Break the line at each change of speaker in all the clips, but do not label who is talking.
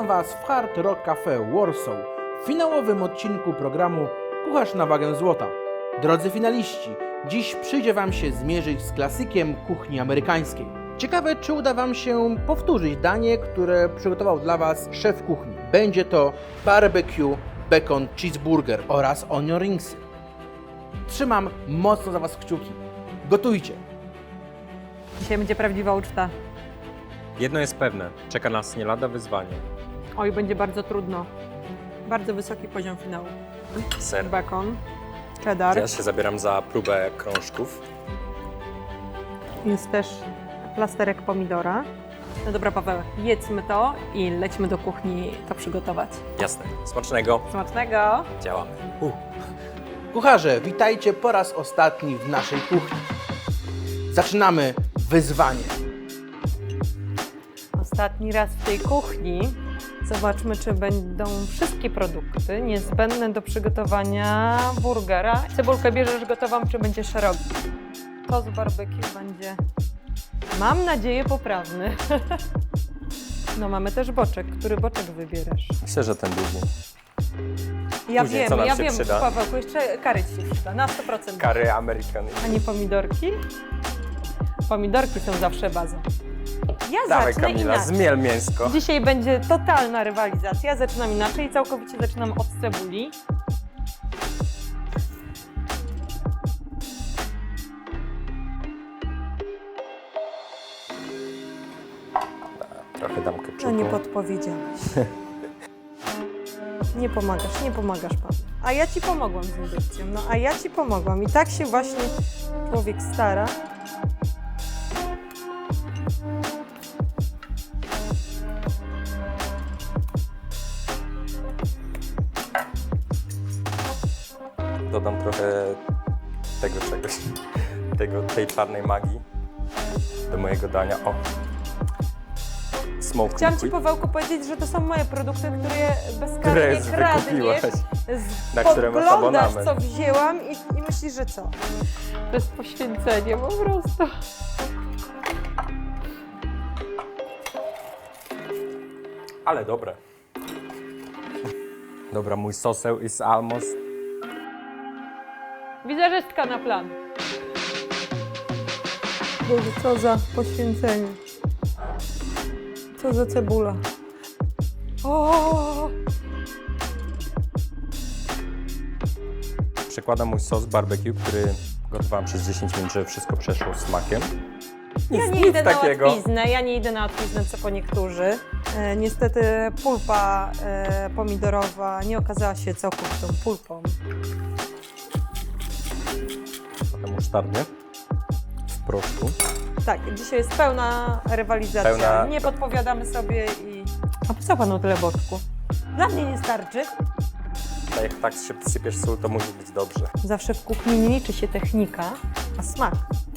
Was w Hard Rock Cafe Warsaw w finałowym odcinku programu Kucharz na wagę złota. Drodzy finaliści, dziś przyjdzie Wam się zmierzyć z klasykiem kuchni amerykańskiej. Ciekawe, czy uda Wam się powtórzyć danie, które przygotował dla Was szef kuchni. Będzie to barbecue bacon cheeseburger oraz onion ringsy. Trzymam mocno za Was kciuki. Gotujcie!
Dzisiaj będzie prawdziwa uczta.
Jedno jest pewne, czeka nas nie lada wyzwanie.
Oj, będzie bardzo trudno. Bardzo wysoki poziom finału.
Ser.
Bacon, cheddar.
Ja się zabieram za próbę krążków.
Jest też plasterek pomidora. No dobra, Paweł, jedzmy to i lećmy do kuchni to przygotować.
Jasne. Smacznego.
Smacznego!
Działamy.
Kucharze, witajcie po raz ostatni w naszej kuchni. Zaczynamy wyzwanie.
Ostatni raz w tej kuchni. Zobaczmy, czy będą wszystkie produkty niezbędne do przygotowania burgera. Cebulkę bierzesz gotową, czy będzie szeroki? To z barbecue będzie, mam nadzieję, poprawny. No mamy też boczek. Który boczek wybierasz?
Myślę, że ten długi.
Ja
Później
wiem,
co nam
ja
się
wiem,
przyda?
Pawełku, jeszcze kary Ci się przyda, na 100%.
Kary American.
A nie pomidorki? Pomidorki są zawsze bazą. Ja
Dawaj,
zacznę
Kamila,
inaczej.
zmiel mięsko.
Dzisiaj będzie totalna rywalizacja. Zaczynam inaczej, całkowicie zaczynam od cebuli.
Trochę dam
No
keczupu.
nie podpowiedziałeś. Nie pomagasz Pan. A ja Ci pomogłam z indukcją, no a ja Ci pomogłam. I tak się właśnie człowiek stara.
Dodam trochę tego czegoś. Tej czarnej magii do mojego dania. O! Smoke
Chciałam Ci,
liquid,
Pawełku, powiedzieć, że to są moje produkty, które
które
bezkarnie kradniesz.
wykupiłaś. Na które masz
Podglądasz,
abonament.
co wzięłam i myślisz, że co? To jest poświęcenie po prostu.
Ale dobre. Dobra, mój soseł is almost.
Wizerzystka na plan. Boże, co za poświęcenie. Co za cebula. O!
Przekładam mój sos barbecue, który gotowałem przez 10 minut, żeby wszystko przeszło smakiem.
Ja nie idę na łatwiznę, co po niektórzy. Niestety pulpa pomidorowa nie okazała się całkowitą pulpą.
Potem musztardy w proszku.
Tak, dzisiaj jest pełna rywalizacja.
Pełna-
Nie podpowiadamy sobie i... A po co Panu tyle boczku? Dla mnie nie starczy.
A jak tak się sypiesz sól, to musi być dobrze.
Zawsze w kuchni nie liczy się technika, a smak.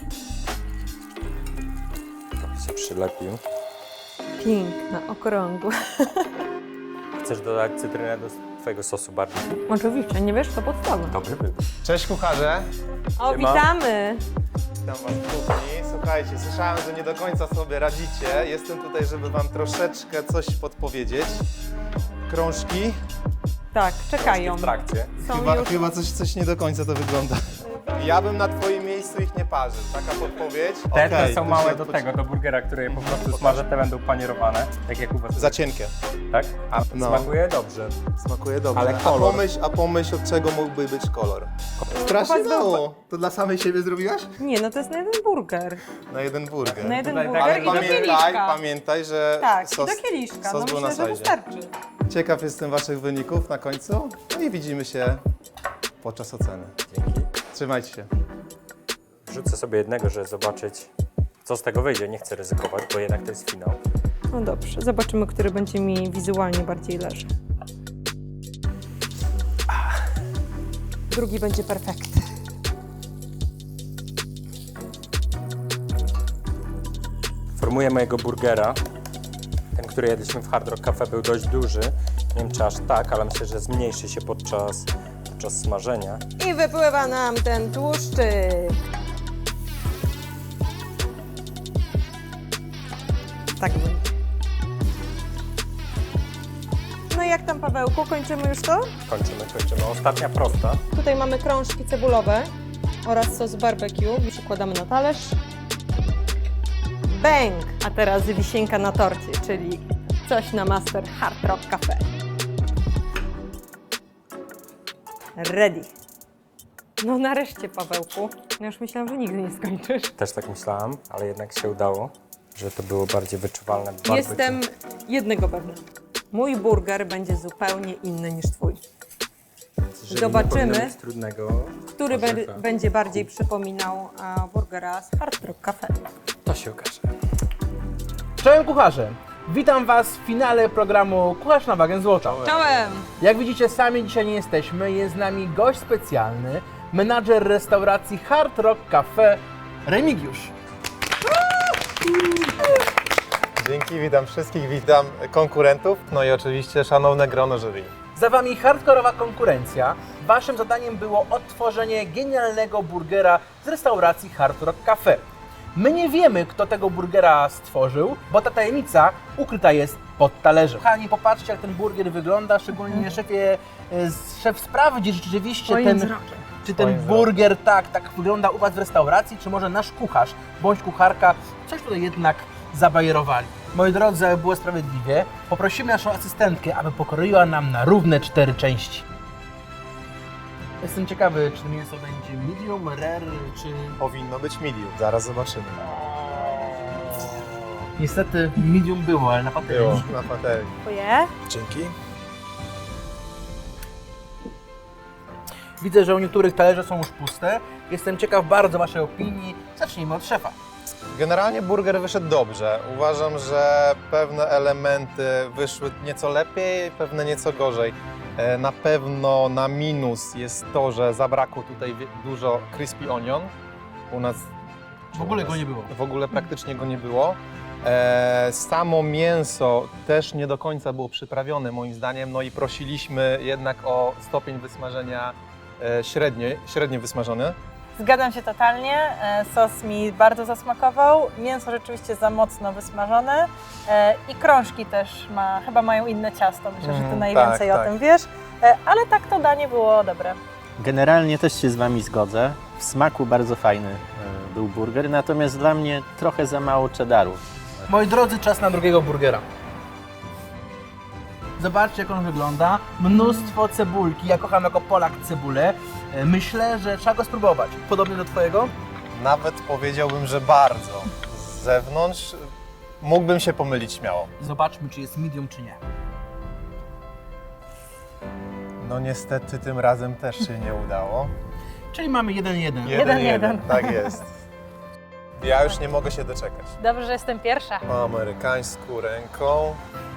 Trochę się przylepił.
Piękna, okrągła.
Chcesz dodać cytrynę do twojego sosu barbecue?
Oczywiście, nie wiesz, to podstawa.
Dobry wybór.
Cześć kucharze,
O,
Siema.
witamy!
witam was w kuchni. Słuchajcie, słyszałem, że nie do końca sobie radzicie. Jestem tutaj, żeby wam troszeczkę coś podpowiedzieć. Krążki.
Tak, czekają.
W trakcie.
Są
Chyba,
już...
chyba coś nie do końca to wygląda. Ja bym na twoim miejscu ich nie parzył. Taka podpowiedź.
Te
Okej,
są
to
małe
się
do tego, do burgera, które po prostu smażę, te będą panierowane. Tak jak u was.
Za cienkie.
Tak? A
No.
smakuje dobrze.
Smakuje dobrze.
Ale kolor.
A pomyśl, od czego mógłby być kolor. Strasznie
Popatrz,
mało. To dla samej siebie zrobiłaś?
Nie, no to jest na jeden burger.
Na jeden burger.
Na jeden
Tutaj
burger
Ale
i do kieliszka.
pamiętaj, że
Tak,
sos,
i do kieliszka.
sos
No
był
myślę,
na
że
sajdzie.
wystarczy.
Ciekaw jestem waszych wyników na końcu. No i widzimy się podczas oceny.
Dzięki.
Trzymajcie się.
Wrzucę sobie jednego, żeby zobaczyć, co z tego wyjdzie. Nie chcę ryzykować, bo jednak to jest finał.
No dobrze, zobaczymy, który będzie mi wizualnie bardziej leży. Drugi będzie perfekt.
Formuję mojego burgera. Ten, który jedliśmy w Hard Rock Cafe, był dość duży. Nie wiem, czy aż tak, ale myślę, że zmniejszy się podczas smażenia.
I wypływa nam ten tłuszczyk. Tak będzie. No i jak tam, Pawełku, kończymy już to?
Kończymy. Ostatnia prosta.
Tutaj mamy krążki cebulowe oraz sos barbecue. Przykładamy na talerz. Bang! A teraz wisienka na torcie, czyli coś na Master Hard Rock Cafe. Ready. No nareszcie, Pawełku. Ja już myślałam, że nigdy nie skończysz.
Też tak myślałam, ale jednak się udało, że to było bardziej wyczuwalne. w barbecue.
Jestem jednego pewna. Mój burger będzie zupełnie inny niż twój.
Jeżeli
zobaczymy,
nie powinno być trudnego,
Który
orzecha,
będzie bardziej przypominał burgera z Hard Rock Cafe.
to się okaże.
Czołem kucharze! Witam Was w finale programu Kucharz na wagę złota.
Czołem!
Jak widzicie, sami dzisiaj nie jesteśmy. Jest z nami gość specjalny, menadżer restauracji Hard Rock Cafe, Remigiusz.
Dzięki, witam wszystkich, witam konkurentów, no i oczywiście szanowne grono jury.
Za Wami hardkorowa konkurencja. Waszym zadaniem było odtworzenie genialnego burgera z restauracji Hard Rock Cafe. My nie wiemy, kto tego burgera stworzył, bo ta tajemnica ukryta jest pod talerzem. Kochani, popatrzcie, jak ten burger wygląda, szczególnie szef sprawdzi, czy rzeczywiście czy ten
Swoim
burger tak wygląda u Was w restauracji, czy może nasz kucharz bądź kucharka coś tutaj jednak zabajerowali. Moi drodzy, aby było sprawiedliwie, poprosimy naszą asystentkę, aby pokroiła nam na równe 4 części. Jestem ciekawy, czy to mięso będzie medium, rare, czy...
Powinno być medium, zaraz zobaczymy.
Niestety medium było, ale na
Było
patelni.
na patelni.
Dziękuję.
Dzięki.
Widzę, że u niektórych talerze są już puste. Jestem ciekaw bardzo Waszej opinii. Zacznijmy od szefa.
Generalnie burger wyszedł dobrze. Uważam, że pewne elementy wyszły nieco lepiej, pewne nieco gorzej. Na pewno na minus jest to, że zabrakło tutaj dużo crispy onion. U nas
W ogóle go nie było.
W ogóle praktycznie go nie było. Samo mięso też nie do końca było przyprawione moim zdaniem, no i prosiliśmy jednak o stopień wysmażenia średnio wysmażony.
Zgadzam się totalnie. Sos mi bardzo zasmakował. Mięso rzeczywiście za mocno wysmażone. I krążki też chyba mają inne ciasto. Myślę, że ty najwięcej
tak,
o
tak.
tym wiesz. Ale tak to danie było dobre.
Generalnie też się z Wami zgodzę. W smaku bardzo fajny był burger, natomiast dla mnie trochę za mało cheddaru.
Moi drodzy, czas na drugiego burgera. Zobaczcie, jak on wygląda. Mnóstwo cebulki. Ja kocham jako Polak cebulę. Myślę, że trzeba go spróbować. Podobnie do Twojego?
Nawet powiedziałbym, że bardzo. Z zewnątrz mógłbym się pomylić śmiało.
Zobaczmy, czy jest medium, czy nie.
No niestety tym razem też się nie udało.
Czyli mamy 1-1.
1-1.
Tak jest. Ja już nie mogę się doczekać.
Dobrze, że jestem pierwsza.
Po amerykańsku ręką.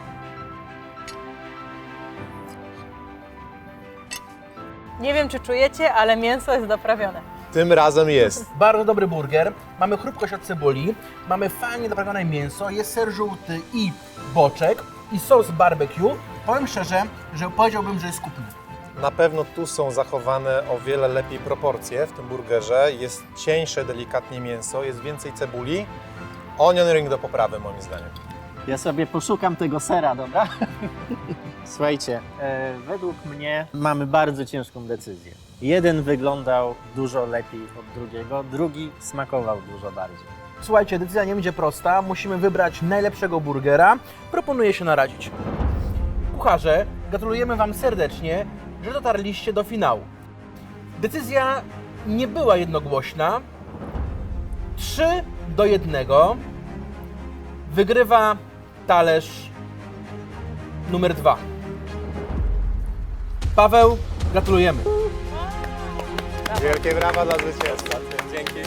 Nie wiem, czy czujecie, ale mięso jest doprawione.
Tym razem jest.
Bardzo dobry burger. Mamy chrupkość od cebuli. Mamy fajnie doprawione mięso. Jest ser żółty i boczek. I sos barbecue. Powiem szczerze, że powiedziałbym, że jest kupny.
Na pewno tu są zachowane o wiele lepiej proporcje w tym burgerze. Jest cieńsze delikatnie mięso, jest więcej cebuli. Onion ring do poprawy moim zdaniem.
Ja sobie poszukam tego sera, dobra? Słuchajcie, według mnie mamy bardzo ciężką decyzję. Jeden wyglądał dużo lepiej od drugiego, drugi smakował dużo bardziej.
Słuchajcie, decyzja nie będzie prosta. Musimy wybrać najlepszego burgera. Proponuję się naradzić. Kucharze, gratulujemy Wam serdecznie, że dotarliście do finału. Decyzja nie była jednogłośna. 3-1. Wygrywa talerz numer 2. Paweł, gratulujemy.
Wielkie brawa dla zwycięzcy.
Dzięki.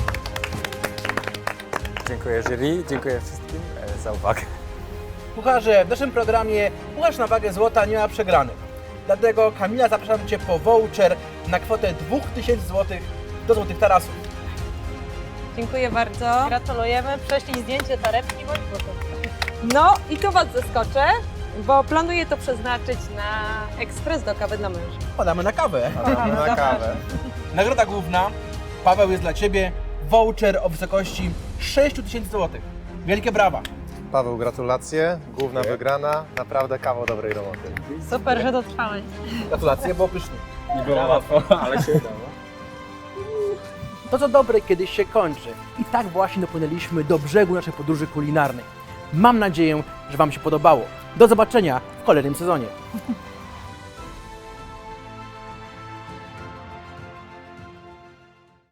Dziękuję jury, dziękuję wszystkim za uwagę.
Kucharze, w naszym programie Kucharz na wagę złota nie ma przegranych. Dlatego Kamila, zapraszam Cię po voucher na kwotę 2000 zł do Złotych Tarasów.
Dziękuję bardzo.
Gratulujemy. Prześlij zdjęcie torebki bądź butów.
No i tu Was zaskoczę, bo planuję to przeznaczyć na ekspres do kawy dla męża.
Podamy na kawę.
Mamy na kawę.
Nagroda główna, Paweł, jest dla Ciebie voucher o wysokości 6000 zł. Wielkie brawa.
Paweł, gratulacje. Główna wygrana. Naprawdę kawał dobrej roboty.
Super, że dotrwałeś.
Gratulacje, było pysznie.
Nie było łatwo, ale się udało.
To co dobre kiedyś się kończy. I tak właśnie dopłynęliśmy do brzegu naszej podróży kulinarnej. Mam nadzieję, że Wam się podobało. Do zobaczenia w kolejnym sezonie.